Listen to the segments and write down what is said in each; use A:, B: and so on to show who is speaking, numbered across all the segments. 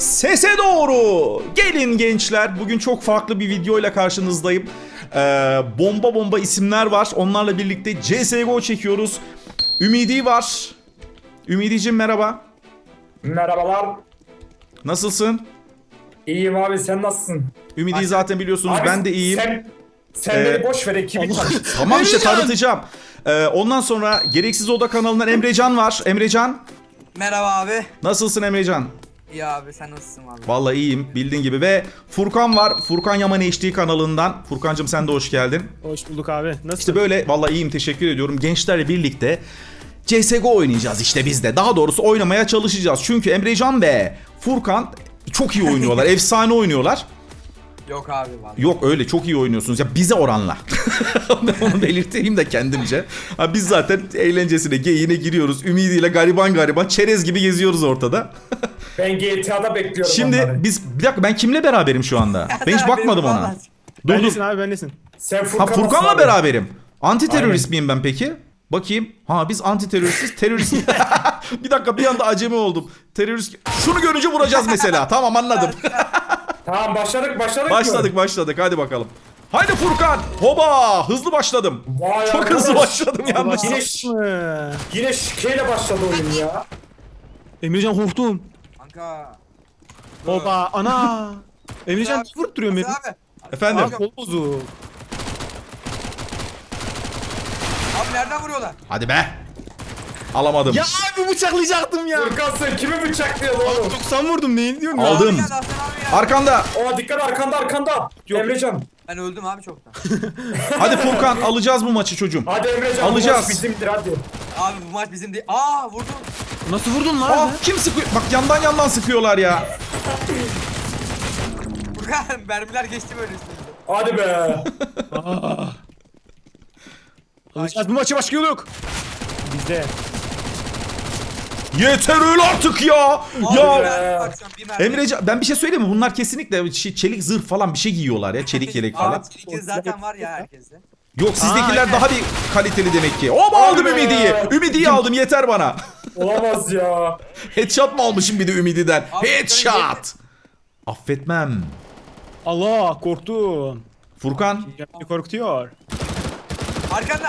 A: Sese doğru. Gelin gençler. Bugün çok farklı bir videoyla karşınızdayım. Bomba isimler var. Onlarla birlikte CSGO çekiyoruz. Ümidi var. Ümidiciğim merhaba.
B: Merhabalar.
A: Nasılsın?
B: İyiyim abi, sen nasılsın?
A: Ümidi'yi zaten biliyorsunuz.
B: Abi,
A: Ben de iyiyim.
B: Sen beni boş ver, ekibi tanış.
A: Tamam işte tanıtacağım. Ondan sonra Gereksiz Oda kanalından Emrecan var. Emrecan.
C: Merhaba abi.
A: Nasılsın Emrecan?
C: İyi abi, sen nasılsın abi?
A: Vallahi iyiyim bildiğin gibi. Ve Furkan var. Furkan Yaman HD kanalından. Furkancığım sen de hoş geldin.
D: Hoş bulduk abi. Nasılsın?
A: İşte böyle vallahi iyiyim, teşekkür ediyorum. Gençlerle birlikte CSGO oynayacağız işte biz de. Daha doğrusu oynamaya çalışacağız. Çünkü Emrecan ve Furkan çok iyi oynuyorlar. Efsane oynuyorlar.
C: Yok abi vallahi.
A: Yok öyle çok iyi oynuyorsunuz ya bize oranla. Onu belirteyim de kendimce. Ha, biz zaten eğlencesine, geyiğine giriyoruz. Ümidiyle gariban çerez gibi geziyoruz ortada.
B: Ben GTA'da bekliyorum
A: Şimdi
B: onları.
A: biz bir dakika, ben kimle beraberim şu anda? Ben hiç
C: Abi,
A: bakmadım ona.
C: vallahi.
A: Dur.
D: Bendesin abi, bendesin.
B: Sen
A: Ha,
B: Furkan'la
A: Furkan'la beraberim. Anti terörist
B: Aynen.
A: miyim ben peki? Bakayım. Ha, biz anti teröristiz. Terörist. Bir dakika, bir anda acemi oldum. Terörist. Şunu görünce vuracağız mesela. Tamam, anladım.
B: Tamam, başladık mı?
A: Başladık. Hadi bakalım. Haydi Furkan. Hoba. Hızlı başladım.
B: Vay
A: Çok
B: arkadaş.
A: hızlı başladım yalnız.
B: Yine şikeyle başladı oyun ya.
D: Emrecan korktum.
C: Kanka.
D: Oba ana. Emrecan
C: Abi,
D: vurup duruyor beni.
C: Abi.
A: Efendim.
D: Abi kol bozuk.
C: Abi nereden vuruyorlar?
A: Hadi be. Alamadım.
D: Ya abi bıçaklayacaktım ya.
B: Furkan, sen kimi bıçaklıyorsun oğlum?
D: 90 vurdum, neyin diyorsun ya?
A: Aldım.
C: Abi geldi, Hasan abi geldi.
A: Arkanda.
B: Aa, dikkat, arkanda.
D: Yok.
B: Emrecan.
C: Ben öldüm abi çoktan.
A: Hadi Furkan, alacağız bu maçı çocuğum.
B: Hadi Emrecan,
A: Alacağız.
B: bu maç bizimdir hadi.
C: Abi bu maç bizim değil. Aa vurdum.
D: Nasıl vurdun lan?
A: Ah, kim sıkıyor? Bak yandan sıkıyorlar ya.
C: Furkan mermiler geçti böyle üstümüzde.
B: Hadi be.
D: Alacağız bu maçı, başka yolu yok. Bizde.
A: Yeter öyle artık ya.
C: Abi
A: Ya
C: mermi bakacağım, bir mermi.
A: Emrecan, ben bir şey söyleyeyim mi? Bunlar kesinlikle çelik zırh falan bir şey giyiyorlar ya. Çelik yelek falan.
C: Abi çelik zaten var ya herkeste.
A: Yok, sizdekiler
D: Aa,
A: daha bir kaliteli demek ki. Hop, aldım
B: Abi.
A: Ümidi'yi. Ümidi'yi aldım, yeter bana.
B: Olamaz ya.
A: Headshot mı almışım bir de Ümidi'den?
C: Abi,
A: Headshot. Affetmem.
D: Allah, korktum.
A: Furkan.
D: Beni korkutuyor.
C: Arkanda.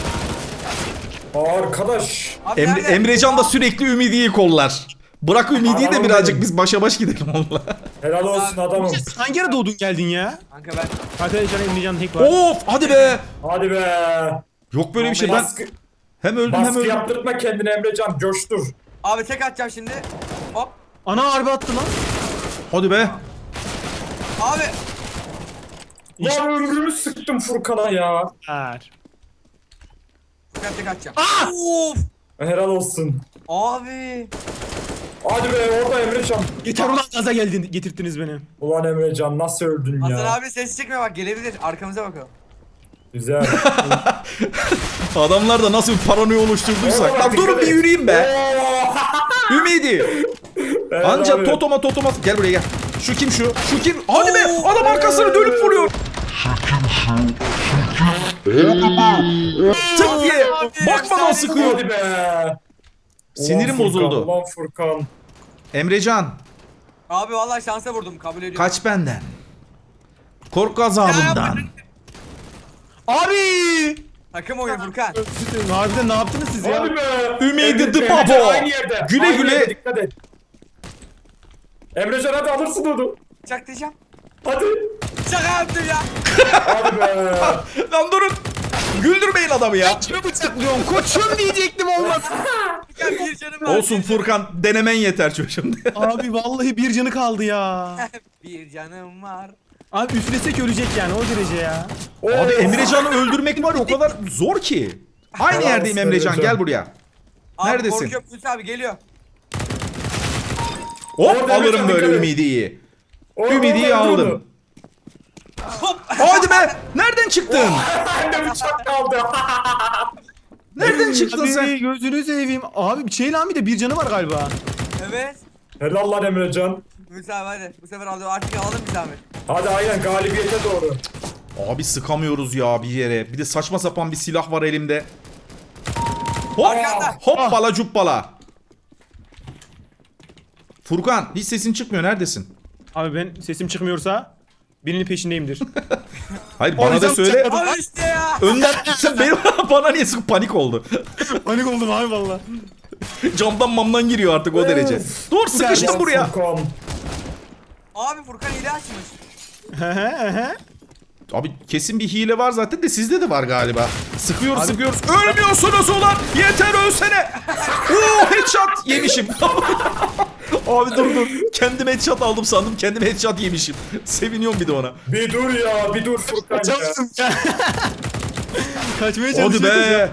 B: Arkadaş.
C: Abi nerede?
A: Emrecan da sürekli Ümidi'yi kollar. Bırak Ümidi'yi de
B: Adamım
A: birazcık
B: benim.
A: biz başa baş gidelim onunla.
B: Helal olsun adamım.
D: Hangi ara doğdun geldin ya?
C: Kanka ben.
D: Arkadaşlar Emrecan tek var.
A: Of, hadi be.
B: Hadi be.
A: Yok böyle bir şey. Ben
B: Baskı,
A: hem öldüm hem
B: baskı
A: öldüm.
B: yaptırtma kendine Emrecan, coştur.
C: Abi tek atacağım şimdi. Hop.
D: Ana harbi attı lan.
A: Hadi be.
C: Abi.
B: Lan ömrümü sıktım Furkan'a ya.
D: Ver.
C: Furkan tek atacağım.
D: Ah!
C: Of.
B: Helal olsun.
C: Abi.
B: Hadi be, orada Emrecan.
D: Yeter ulan, gaza geldin, getirttiniz beni.
B: Ulan Emrecan, nasıl öldün
C: Hasan
B: ya?
C: abi ses çıkmıyor, bak gelebilir. Arkamıza bakalım.
B: Güzel.
A: Adamlar da nasıl bir paranoya oluşturduysak.
B: Oğlum,
A: Lan durun
B: dikkat
A: bir
B: et.
A: yürüyeyim be.
B: Oo!
A: Ümidi.
B: Evet
A: Anca
B: abi.
A: totoma. Gel buraya gel. Şu kim şu? Şu kim? Hadi be.
C: Oo,
A: Adam arkasını dönüp vuruyor. Tık diye. Bakmadan sıkıyor.
B: Hadi be.
A: Sinirim
B: Ulan Furkan,
A: bozuldu.
B: Ulan Furkan.
A: Emrecan,
C: Abi vallahi şansa vurdum, kabul ediyorum.
A: kaç benden. Korku azabından.
D: Abi!
C: Takım oyunu Furkan.
D: Harbiden ne yaptınız siz ya?
B: Hadi be.
A: Ümidi the
B: Emrecan
A: Babo.
B: aynı yerde.
A: Güle
B: Aynı
A: güle.
B: yerde, dikkat et. Emrecan hadi alırsın onu.
C: Çak diyeceğim.
B: Hadi.
C: Şaka yaptım ya.
B: Hadi be.
A: Lan durun. Güldürmeyin adamı ya.
D: Kime bıçaklıyorsun? Koçum diyecektim, olmaz.
C: Furkan bir canım var.
A: Olsun Furkan, denemen yeter çocuğum.
D: Abi vallahi bir canı kaldı ya.
C: Bir canım var.
D: Abi üflesek ölecek yani, o derece ya.
A: Abi
B: Oo.
A: Emrecan'ı öldürmek var ya, o kadar zor ki. Aynı
B: Helal
A: yerdeyim
B: olsun
A: Emrecan,
B: Emrecan.
A: gel buraya.
C: Abi,
A: Neredesin?
C: korkuyorum, Hüsnü abi geliyor.
A: Hop,
B: Orada
A: alırım
B: Emrecan,
A: böyle
B: dikkat et.
A: Ümidi'yi.
B: Orada
A: Ümidi'yi
B: öldür
A: aldım.
B: onu.
C: Hop.
A: Hadi be. Nereden çıktın?
B: Bende bıçak kaldı.
A: Nereden çıktın
D: Abi
A: sen?
D: gözünü seveyim. Abi bir şey lan, bir de bir canı var galiba.
C: Evet.
B: Helal lan Emrecan.
C: Hüsnü abi hadi. Bu sefer aldı, artık alalım bir zahmet.
B: Hadi aynen galibiyete doğru.
A: Abi sıkamıyoruz ya bir yere. Bir de saçma sapan bir silah var elimde. Hop.
C: Arkanda.
A: Hoppala cuppala. Furkan hiç sesin çıkmıyor. Neredesin?
D: Abi ben sesim çıkmıyorsa birinin peşindeyimdir.
A: Hayır bana da
D: yüzden
A: söyle.
D: bıçakladım.
C: Al işte ya.
A: Önden sen benim bana niye sık panik oldu.
D: Panik oldum abi valla.
A: Camdan mamdan giriyor artık o derece. Dur sıkıştım buraya.
B: Furkan.
C: Abi Furkan hile açmış.
A: Abi kesin bir hile var zaten de sizde de var galiba. Sıkıyoruz sıkıyoruz. Ölmüyorsunuz ulan. Yeter ölsene. Oo headshot yemişim. Abi dur. Kendim headshot aldım sandım. Kendim headshot yemişim. Seviniyorum bir de ona.
B: Bir dur ya, bir dur Furkan ya.
D: Çalıştım ya. Kaçmaya
A: Hadi
D: çalışıyordum
A: be.
D: ya.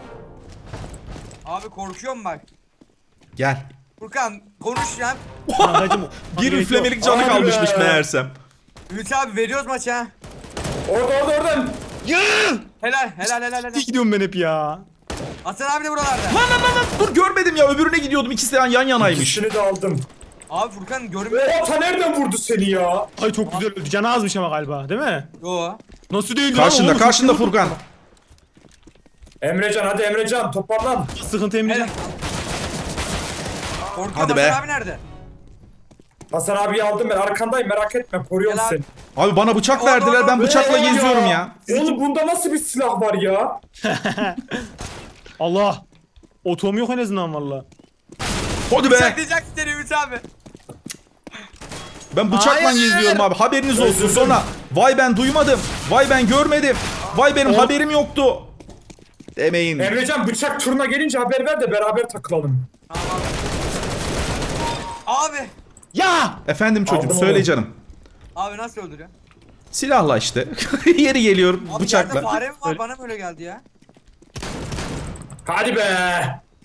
C: Abi korkuyorum bak.
A: Gel.
C: Furkan konuş ya.
D: Kankacım,
A: Bir
D: gerek
A: üflemelik
D: yok.
A: canı
B: Hadi
A: kalmışmış
B: be.
A: meğersem.
C: Ümit abi veriyoruz maçı ha.
B: Oradan.
D: Ya!
C: Helal.
D: İyi gidiyorum ben hep ya.
C: Hasan abi de buralarda.
A: Lan dur görmedim ya öbürüne gidiyordum. İkisi de yan yanaymış.
B: İkisini de aldım.
C: Abi Furkan görmüyor.
B: Ata nereden vurdu seni ya?
D: Ay çok güzel öldü. Canı azmış ama galiba değil mi?
C: Yo.
D: Nasıl değil lan
A: Karşında
D: oğlum?
A: karşında Furkan.
B: Emrecan hadi Emrecan toparlan.
D: Sıkıntı Emrecan.
C: Helal. Korkuyorum
A: Hadi be.
C: Hasan abi nerede?
B: Hasan abiyi aldım ben arkandayım merak etme koruyorum
C: Gel abi.
B: seni.
A: Abi bana bıçak verdiler ben bıçakla
B: Ee,
A: geziyorum ya.
B: Oğlum bunda nasıl bir silah var ya?
D: Allah. Otom yok en azından valla.
A: Hadi be.
C: Bıçaklayacak seni Ümit abi.
A: Ben bıçakla
D: Hayır.
A: geziyorum abi haberiniz olsun
B: Özür
A: sonra. Vay ben duymadım. Vay ben görmedim. Vay benim haberim yoktu. Demeyin.
B: Emrecan bıçak turuna gelince haber ver de beraber takılalım.
C: Abi.
D: Ya!
A: Efendim çocuğum
B: Aldım
A: söyle
B: onu.
A: canım.
C: Abi nasıl öldürüyor?
A: Silahla işte. Yeri geliyor
C: Abi yerde
A: bıçakla.
C: fare mi var? Bana mı öyle geldi ya?
B: Hadi be.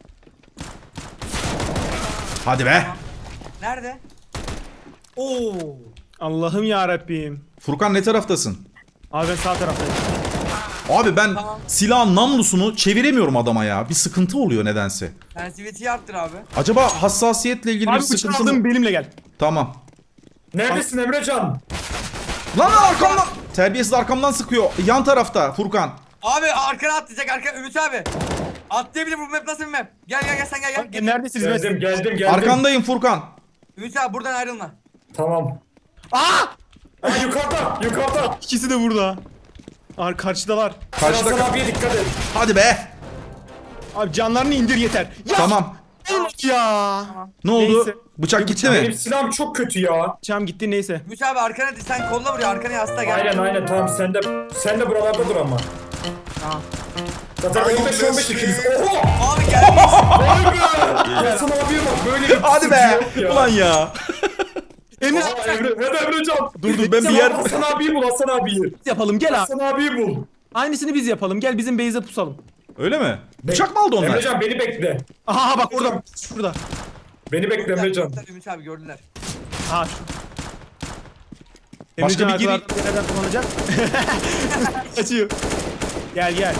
A: Hadi be.
C: Nerede? Oo.
D: Allah'ım ya Rabbim.
A: Furkan ne taraftasın?
D: Abi ben sağ taraftayım.
A: Abi ben
C: Tamam.
A: silahın namlusunu çeviremiyorum adama ya. Bir sıkıntı oluyor nedense.
C: Sensitivity'yi arttır abi.
A: Acaba hassasiyetle ilgili
D: Abi
A: bir
D: bıçağı
A: sıkıntı mı?
D: aldım benimle gel.
A: Tamam.
B: Neredesin Emrecan?
A: Lan arkamdan. Terbiyesiz arkamdan sıkıyor. Yan tarafta Furkan.
C: Abi arkana atlayacak arka Ümit abi. Atlayabilir bu map nasıl bir map? Gel sen gel.
D: Neredesiniz?
B: Geldim.
A: Arkandayım Furkan.
C: Ümit abi buradan ayrılma.
B: Tamam.
D: Aa!
B: Ha yukarıda.
D: İkisi de burada. Karşıdalar.
A: Karşıda.
B: Hasan abiye dikkat et.
A: Hadi be.
D: Abi canlarını indir yeter. Ya!
A: Tamam.
D: Ya!
A: Ne oldu?
D: Neyse.
A: Bıçak gitti mi?
B: Benim silahım çok kötü ya.
D: Bıçağım gitti neyse.
C: Ümit abi arkana sen kolla buraya arkana yasla gel.
B: Aynen tamam sen de buralarda dur ama. Zaten 15-15 ikiniz. Oho!
C: Abi gelmiş.
B: Vay be! Hasan abiye bak böyle bir
A: Hadi be.
B: sıkıntı yok ya.
A: Ulan ya.
D: Emre
B: Aa, hadi Emrecan.
A: Dur ben bir yer...
B: Hasan abiyi bul Hasan abiyi.
D: biz yapalım gel abi.
B: Hasan abiyi bul.
D: Aynısını biz yapalım. Gel bizim base'e pusalım.
A: Öyle mi? Bıçak mı aldı onlar?
B: Emrecan beni bekle.
D: Aha bak orada. Şurada.
B: Beni bekle Emrecan.
C: Ümit abi gördüler.
D: Ha şu.
A: Başka
D: Emrecan
A: bir giri-
D: arkalardan nereden kullanacak? Kaçıyor. Gel.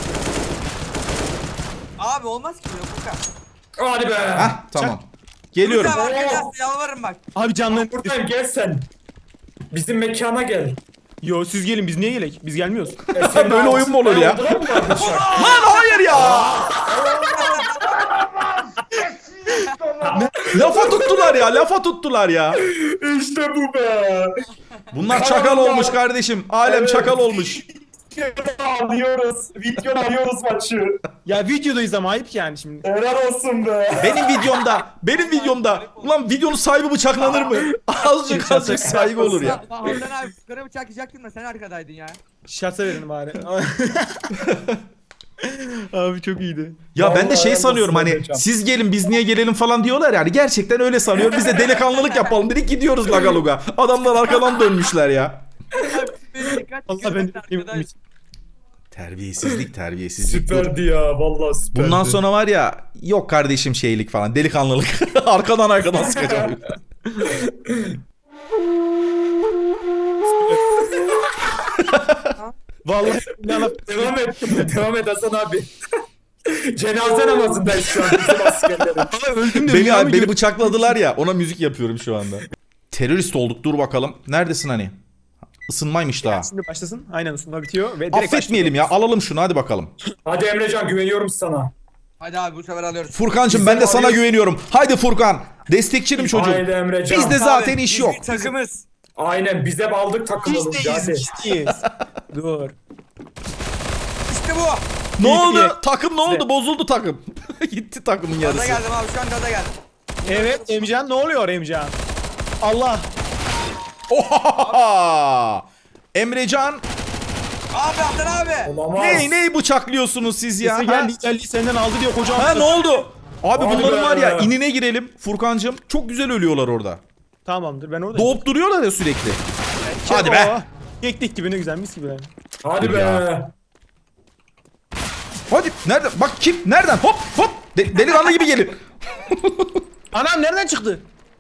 C: Abi olmaz ki böyle Furkan.
B: Hadi be.
A: Hah tamam. Geliyorum.
C: Ümit abi arkana yasla yalvarırım bak.
D: Abi canlı.
B: Buradayım gel sen. Bizim mekana gel.
D: Yo siz gelin biz niye gelek? Biz gelmiyoruz.
B: Sen
A: Böyle oyun mu olur ya?
B: Aldılar mı var bıçak?
A: Lan hayır ya. Lafa tuttular ya.
B: İşte bu be.
A: Bunlar çakal olmuş kardeşim. Alem
B: Evet.
A: çakal olmuş.
B: Alıyoruz. Video alıyoruz maçı.
D: Ya videodayız ama ayıp yani şimdi.
B: Helal olsun be.
A: Benim videomda. Ulan videonun sahibi bıçaklanır mı? Azıcık saygı olur ya.
C: Hasan abi Furkan'a bıçaklayacaktın da sen arkadaydın ya.
D: Şartsa verin bari. Abi çok iyiydi.
A: Ya ben de
B: Vallahi
A: şey
B: helal
A: sanıyorum
B: olsun
A: hani
B: hocam.
A: siz gelin biz niye gelelim falan diyorlar yani. Gerçekten öyle sanıyorum. Biz de delikanlılık yapalım dedik gidiyoruz lagaluga. Adamlar arkadan dönmüşler ya.
D: Allah ben
C: Arkadaş.
A: Terbiyesizlik. Dur.
B: Süperdi ya vallahi süperdi.
A: Bundan sonra var ya yok kardeşim şeylik falan delikanlılık. arkadan sıkacağım.
D: Vallahi
B: Devam et Hasan abi. Cenaze namazındayız şu an bizim askerlerin.
D: öldüm de rüya mı
A: Beni
D: gördün?
A: bıçakladılar ya ona müzik yapıyorum şu anda. Terörist olduk dur bakalım. Neredesin hani? Isınmaymış daha.
D: Şimdi başlasın. Aynen ısınma bitiyor ve direkt
A: Affetmeyelim ya alalım şunu hadi bakalım.
B: Hadi Emrecan güveniyorum sana.
C: Hadi abi bu sefer alıyoruz.
A: Furkancığım ben de sana
B: alıyoruz.
A: güveniyorum. Haydi Furkan. Destekçinim çocuğum.
B: Haydi Emrecan.
A: Bizde zaten
C: Abi,
A: iş
C: biz
A: yok.
C: bir takımız.
B: Aynen biz hep aldık takım olunca
D: Bizdeyiz.
B: hadi.
D: Bizdeyiz. Dur.
C: İşte bu.
A: Ne
D: İyi,
A: oldu?
D: iyi.
A: Takım ne oldu?
D: Bizde.
A: Bozuldu takım. Gitti takımın
C: Gaza
A: yarısı.
C: geldim abi şu an gaza geldim.
D: Evet Emcan ne oluyor Emcan? Allah.
A: Oha! Emrecan
C: Abi Hasan abi.
B: Olamaz.
A: neyi bıçaklıyorsunuz siz ya?
D: Sesi
A: Ha?
D: geldi senden aldı diyor kocaman.
A: Ha ne oldu? Abi
B: Hadi
A: bunların
B: be.
A: var ya inine girelim Furkancığım. Çok güzel ölüyorlar orada.
D: Tamamdır ben oradayım.
A: Doğup duruyorlar ya sürekli. Hadi be.
D: Keklik gibi ne güzel mis gibi.
B: Hadi
A: Dur
B: be.
A: ya. Hadi nereden? Bak kim? Nereden? Hop hop. Delikanlı gibi gelin.
D: Anam nereden çıktı?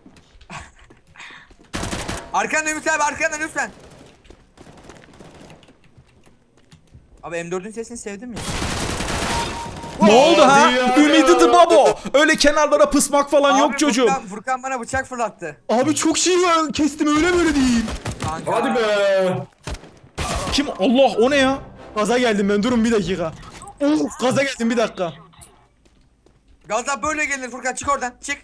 C: Arkandan Ümit abi arkandan lütfen. Abi M4'ün sesini sevdim ya.
A: Ne oldu ha?
B: Hadi ya.
A: Ümidi the Babo. Öyle kenarlara pısmak falan
C: Abi
A: yok çocuğum.
C: Furkan bana bıçak fırlattı.
D: Abi çok şey var kestim öyle böyle değil.
C: Kanka.
B: Hadi be.
A: Kim? Allah o ne ya?
D: Gaza geldim ben durun bir dakika. Gaza geldim bir dakika.
C: Gaza böyle gelir Furkan çık oradan çık.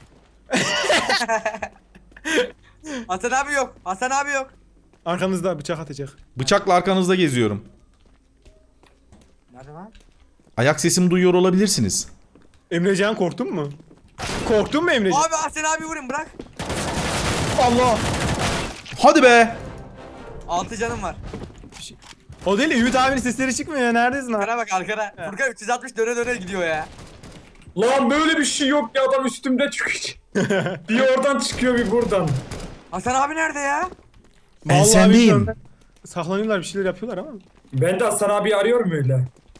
C: Hasan abi yok. Hasan abi yok.
D: Arkanızda bıçak atacak.
A: Bıçakla arkanızda geziyorum.
C: Nerede lan?
A: Ayak sesimi duyuyor olabilirsiniz.
D: Emrecan korktun mu? Korktun mu Emrecan?
C: Abi Hasan abi vurun bırak.
D: Allah.
A: Hadi be.
C: 6 canım var.
D: O değil Ümit abinin sesleri çıkmıyor ya neredesin abi?
C: Arkana bak arkana. Furkan 360 döne döne gidiyor ya.
B: Lan böyle bir şey yok ya adam üstümde çıkıyor. Bir oradan çıkıyor bir buradan.
C: Hasan abi nerede ya?
A: Ben
D: Vallahi
A: sendeyim.
D: bilmiyorum ben. Saklanıyorlar bir şeyler yapıyorlar ama.
B: Ben de Hasan abi arıyorum öyle.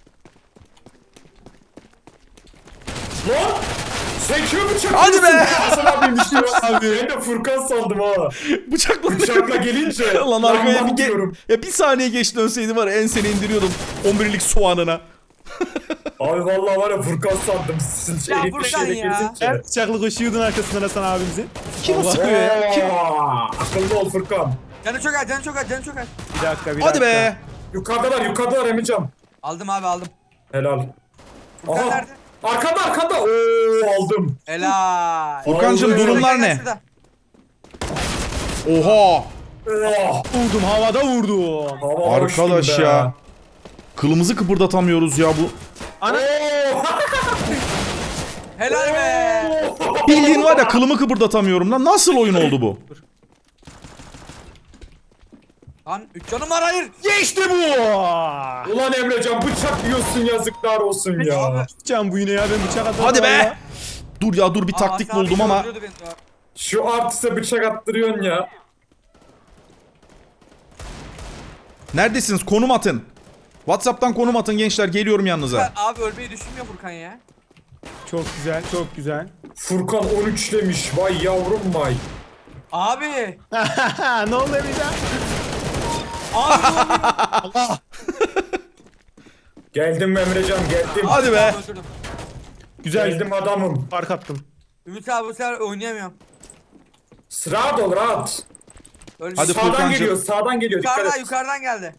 B: Lan! Sekiyor bıçak.
A: Hadi be!
B: Hasan abiymiş ya. Ben de Furkan sandım ha.
A: Bıçakla.
B: Bıçakla gelince.
A: Lan arkaya bir
B: diyorum.
A: ya bir saniye geç dönseydi var ya enseni indiriyordum 11'lik soğanına.
B: Abi vallahi var ya Furkan sandım. Siz
C: Ya
B: elit bir
C: Furkan
B: şeyle
C: ya.
B: girdince.
D: Her bıçaklı koşuyordun arkasından Hasan abimizin.
A: Kim o
D: Allah.
A: sıkıyor ya? Kim?
B: Akıllı ol Furkan.
C: Canı çok az canı çok az canı çok az.
D: Bir dakika bir
A: Hadi
D: dakika.
A: be.
B: Yukarıdalar Emircan.
C: Aldım abi aldım.
B: Helal.
C: Furkan
B: Aha.
C: nerede?
B: Arkada. Oo aldım.
C: Helal.
A: Furkancığım
B: Vallahi
A: durumlar
C: Gel, gel
A: ne?
C: şurada.
A: Oha.
B: Oh,
D: Vurdum havada vurdum.
B: hava
A: Arkadaş
B: hoştum be.
A: ya. Kılımızı kıpırdatamıyoruz ya bu.
D: Ana.
B: Oo.
C: Helal be.
A: Bildiğin var ya kılımı kıpırdatamıyorum lan. Nasıl oyun oldu bu?
C: Lan 3 canım var hayır.
D: Geçti bu.
B: Ulan Emrecan bıçak yiyorsun yazıklar olsun ya.
C: Abi.
D: Can bu yine ya ben bıçak atarım.
A: Hadi be.
D: valla.
A: Dur ya dur bir taktik
C: Hasan abi
A: buldum ama.
C: öldürdü beni ya.
B: Şu artiste bıçak attırıyorsun ya.
A: Neredesiniz? Konum atın. WhatsApp'tan konum atın gençler. Geliyorum yanınıza.
C: Abi ölmeyi düşünmüyor Furkan ya.
D: Çok güzel çok güzel.
B: Furkan 13 demiş. Vay yavrum vay.
C: Abi.
D: Ne oldu Emrecan?
C: Abi
D: Allah.
B: Geldim Emrecan geldim.
A: Hadi be.
C: öldürdüm.
D: Güzel
B: Geldim adamım.
D: fark attım.
C: Ümit abi bu sefer oynayamıyorum.
B: Rahat ol rahat.
C: Ölmüş.
A: Hadi
B: Sağdan
A: Furkancığım.
B: geliyor sağdan geliyor. Dikkat
C: Yukarıdan
B: et.
C: yukarıdan geldi.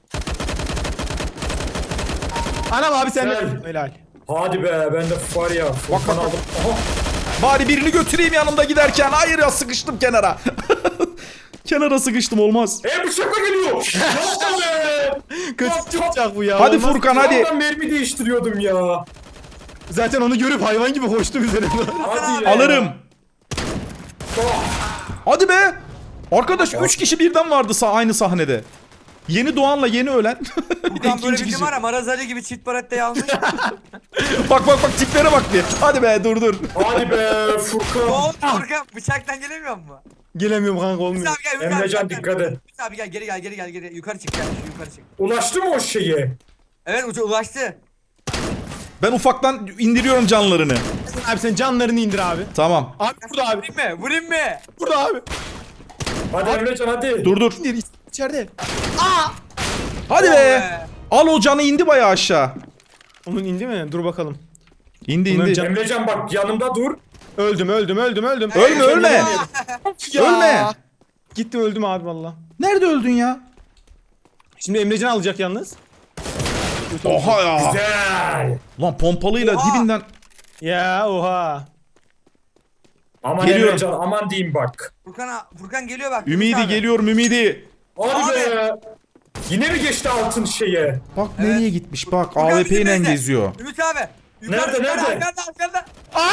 D: Anam abi sen de.
B: Güzel.
D: Helal.
B: Hadi be ben de var ya. Furkan
A: bak.
B: aldım. Aha.
A: Bari birini götüreyim yanımda giderken. Hayır ya sıkıştım kenara. Kenara sıkıştım olmaz.
B: Bıçakla geliyor. Yapma be.
D: Kötü bıçak bu ya.
A: Hadi
D: olmaz.
A: Furkan hadi.
B: Adam mermi değiştiriyordum ya.
D: Zaten onu görüp hayvan gibi koştu üzerine.
B: Hadi ya.
A: Alırım.
B: Oh.
A: Hadi be. Arkadaş 3 kişi birden vardı aynı sahnede. Yeni doğanla yeni ölen. Bir de
C: Furkan böyle
A: ikinci
C: bir
A: kişi.
C: var ya Maraz Ali gibi çift baretteyi almış.
A: Bak tiplere bak bir. Hadi be dur.
B: Hadi be
C: Ne
B: Furkan.
C: oldu Furkan? Bıçaktan gelemiyor mu?
D: Gelemiyorum kanka
C: Ümit
D: olmuyor.
C: abi gel Ümit abi.
B: Emrecan
C: gel,
B: dikkat
C: gel.
B: et.
C: Ümit abi gel geri. Yukarı çık gel yukarı çık.
B: Ulaştı mı o şeye?
C: Evet ulaştı.
A: Ben ufaktan indiriyorum canlarını.
D: Abi sen canlarını indir abi.
A: Tamam.
D: Abi burada abi.
C: Vurayım mı?
D: Burada abi.
B: Hadi Emrecan hadi.
A: Dur.
D: İndir içeride.
A: Hadi
C: Oh
A: be.
C: be.
A: Al o canı indi bayağı aşağı.
D: Onun indi mi? Dur bakalım.
A: İndi
D: Bunların
A: indi.
D: canı-
B: Emrecan bak yanımda dur.
D: Öldüm.
A: Ölme. Ölme.
D: Gitti öldüm abi valla.
A: Nerede öldün ya?
D: Şimdi Emrecan alacak yalnız.
A: Oha ya.
B: Güzel.
A: Lan pompalıyla
C: Oha.
A: dibinden.
D: Ya oha.
B: Aman
A: Geliyorum.
B: Emrecan aman diyeyim bak.
C: Furkan geliyor bak.
A: Ümidi
C: Ümit abi.
A: geliyorum Ümidi.
B: Hadi be. Yine mi geçti altın şeye?
A: Bak nereye gitmiş bak
C: Furkan
A: AWP
C: bizim
A: ile
C: evde.
A: geziyor.
C: Ümit abi.
B: Nerede?
C: Arkanda.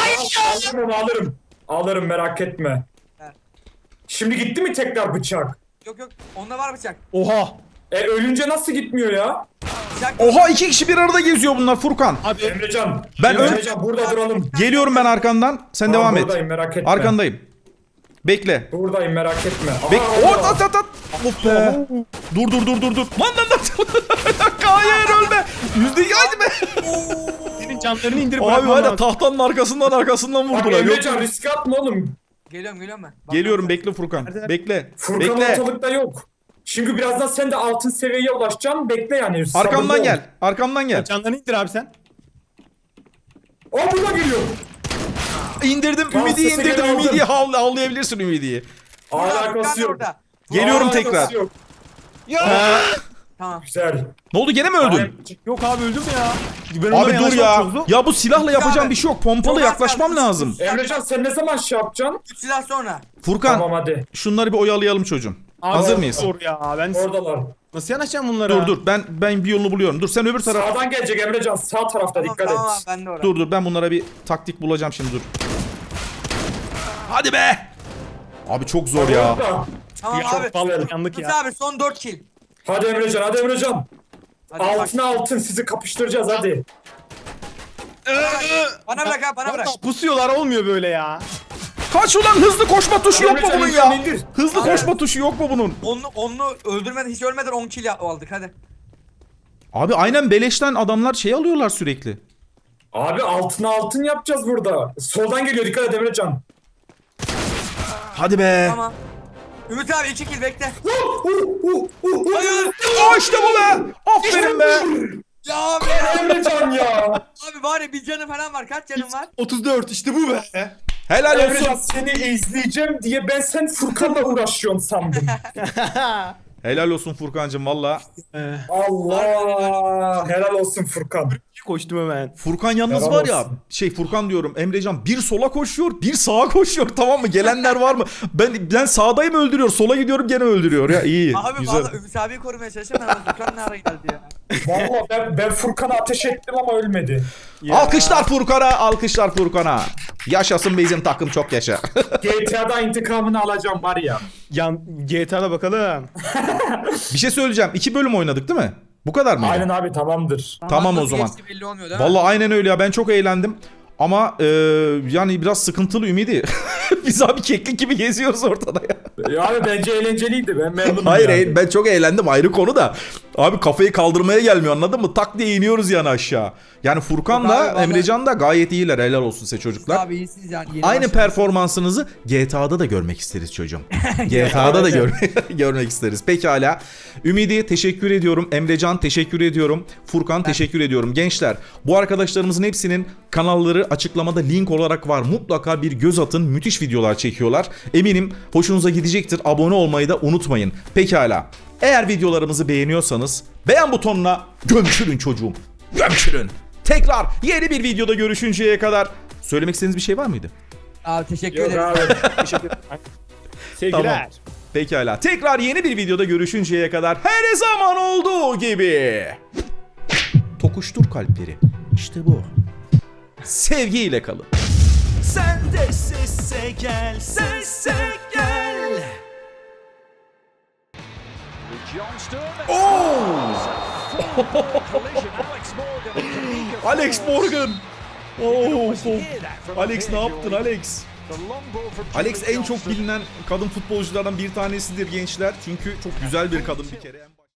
B: Alırım merak etme.
C: Evet.
B: Şimdi gitti mi tekrar bıçak?
C: Yok onda var bıçak.
D: Oha.
B: Ölünce nasıl gitmiyor ya?
C: Bıçak.
A: Oha 2 kişi bir arada geziyor bunlar Furkan.
D: Abi
B: Emrecan.
A: Ben
B: Emrecan burada duralım.
A: Geliyorum ben arkandan. Sen
B: Tamam,
A: devam et.
B: buradayım, merak etme.
A: Arkandayım. Bekle.
B: Buradayım merak etme.
A: At. Of be. Dur. Lan. Hayır ölme. %2 hadi be.
D: senin canlarını indirip
A: Abi
D: bırakman
A: var ya
D: lazım.
A: tahtanın arkasından
B: Bak
A: vurdular. Yok.
B: Emrecan risk atma oğlum.
C: Geliyorum ben. Bak,
A: Geliyorum
C: bak.
A: bekle Furkan.
D: Nerede?
A: Bekle.
B: Furkan
A: Bekle.
B: ortalıkta yok. Çünkü birazdan sen de altın seviyeye ulaşacaksın. Bekle yani. sabırlı
A: Arkamdan
B: ol.
A: gel. Arkamdan gel.
D: Canlarını indir abi sen.
B: O burada geliyor.
A: İndirdim.
B: Tamam,
A: Ümidi'yi
B: sesi
A: indirdim.
B: geri aldım.
A: Ümidi'yi havlayabilirsin Ümidi'yi.
C: Furkan
B: Alakası yok.
C: orada.
A: Geliyorum
B: Alakası
A: tekrar.
B: yok.
C: Tamam.
B: Güzel.
A: Ne oldu gene mi öldün?
D: Yok abi öldüm ya. Ben ondan
A: Abi dur
D: yanaşmam
A: ya.
D: çok zor.
A: Ya bu silahla yapacağım
C: Abi.
A: bir şey yok. Pompalı
C: Çok az
A: yaklaşmam
C: kaldı.
A: lazım.
B: Emrecan sen ne zaman şey yapacaksın?
C: 3 silah sonra.
A: Furkan
B: Tamam hadi.
A: şunları bir oyalayalım çocuğum.
D: Abi,
A: Hazır mıyız?
D: Zor ya. Ben
B: Oradalar.
D: nasıl yanaşacağım bunlara?
A: Dur ben bir yolunu buluyorum. Dur sen öbür taraf.
B: Sağdan gelecek Emrecan. Sağ tarafta dikkat
C: Tamam
B: et.
C: ben de orada.
A: Dur ben bunlara bir taktik bulacağım şimdi dur. Hadi be. Abi çok zor ya.
B: Orada.
C: Tamam
D: Ya,
C: abi.
D: çok vallahi yandık
C: Ümit
D: ya.
C: abi son 4 kill.
B: Hadi Emrecan hadi Emrecan.
C: Hadi bak.
B: Altına altın sizi kapıştıracağız hadi.
C: Bana bırak abi bana bırak.
D: Vallahi pusuyorlar olmuyor böyle ya.
A: Kaç ulan hızlı koşma tuşu yok mu
B: Emrecan,
A: bunun
B: indir,
A: ya?
B: indir.
A: Hızlı koşma tuşu yok mu bunun?
C: Onu öldürmeden hiç ölmeden 10 kill aldık hadi.
A: Abi aynen beleşten adamlar şey alıyorlar sürekli.
B: Abi altına altın yapacağız burada. Soldan geliyor dikkat et Emrecan.
A: Hadi be.
C: Tamam. Ümit abi 2 kill bekle.
B: Hayır.
A: Aa işte bu be. Aferin be.
C: Ya abi.
B: Emrecan ya.
C: Abi var ya bir canı falan var. Kaç canın var?
D: 34 işte bu be.
A: Helal
B: Emrecan
A: olsun.
B: seni izleyeceğim diye ben sen Furkan'la uğraşıyorsun sandım.
A: Helal olsun Furkancığım valla.
B: Allah. Helal olsun Furkan.
D: Koştum hemen.
A: Furkan yalnız
B: Helal
A: var ya
B: olsun.
A: Furkan diyorum Emrecan bir sola koşuyor bir sağa koşuyor tamam mı gelenler var mı ben sağdayım öldürüyor sola gidiyorum gene öldürüyor ya iyi
C: Abi
A: güzel.
C: valla Ümit abiyi korumaya çalışıyorum. Ben Furkan ne ara geldi ya.
B: Vallahi ben Furkan'a ateş ettim ama ölmedi.
D: Ya.
A: Alkışlar Furkan'a yaşasın bizim takım çok yaşa.
B: GTA'da intikamını alacağım var ya.
D: Yan GTA'da bakalım.
A: Bir şey söyleyeceğim 2 bölüm oynadık değil mi? Bu kadar mıydı?
B: Aynen abi tamamdır.
A: Tamam o
C: Nasıl
A: zaman.
C: geçti belli olmuyor değil mi?
A: Vallahi aynen öyle ya ben çok eğlendim. Ama yani biraz sıkıntılı Ümidi. Biz abi keklik gibi geziyoruz ortada ya.
B: Ya abi bence eğlenceliydi ben memnunum.
A: Hayır
B: yani.
A: ben çok eğlendim ayrı konu da. Abi kafayı kaldırmaya gelmiyor anladın mı? Tak diye iniyoruz yani aşağı. Yani Furkan'la
C: Yok abi, vallahi-
A: Emrecan da gayet iyiler helal olsun size çocuklar.
C: Abi iyisiniz yani. Yeni
A: Aynı
C: başladık.
A: performansınızı GTA'da da görmek isteriz çocuğum. GTA'da da görmek isteriz. Pekala. Ümidi teşekkür ediyorum. Emrecan teşekkür ediyorum. Furkan teşekkür ediyorum. Gençler bu arkadaşlarımızın hepsinin kanalları açıklamada link olarak var. Mutlaka bir göz atın. Müthiş videolar çekiyorlar. Eminim hoşunuza gidecektir. Abone olmayı da unutmayın. Pekala. Eğer videolarımızı beğeniyorsanız beğen butonuna gömçürün çocuğum. Gömçürün. Tekrar yeni bir videoda görüşünceye kadar söylemek istediğiniz bir şey var mıydı?
C: Abi teşekkür
B: Yok
C: ederim.
B: abi.
D: Sevgiler.
A: Tamam. Pekala. Tekrar yeni bir videoda görüşünceye kadar her zaman olduğu gibi. Tokuştur kalpleri. İşte bu. Sevgiyle kalın.
E: Sen de sesse gel, sesse gel.
A: Alex Morgan. Alex ne yaptın Alex? Alex en çok bilinen kadın futbolculardan bir tanesidir gençler. Çünkü çok güzel bir kadın bir kere.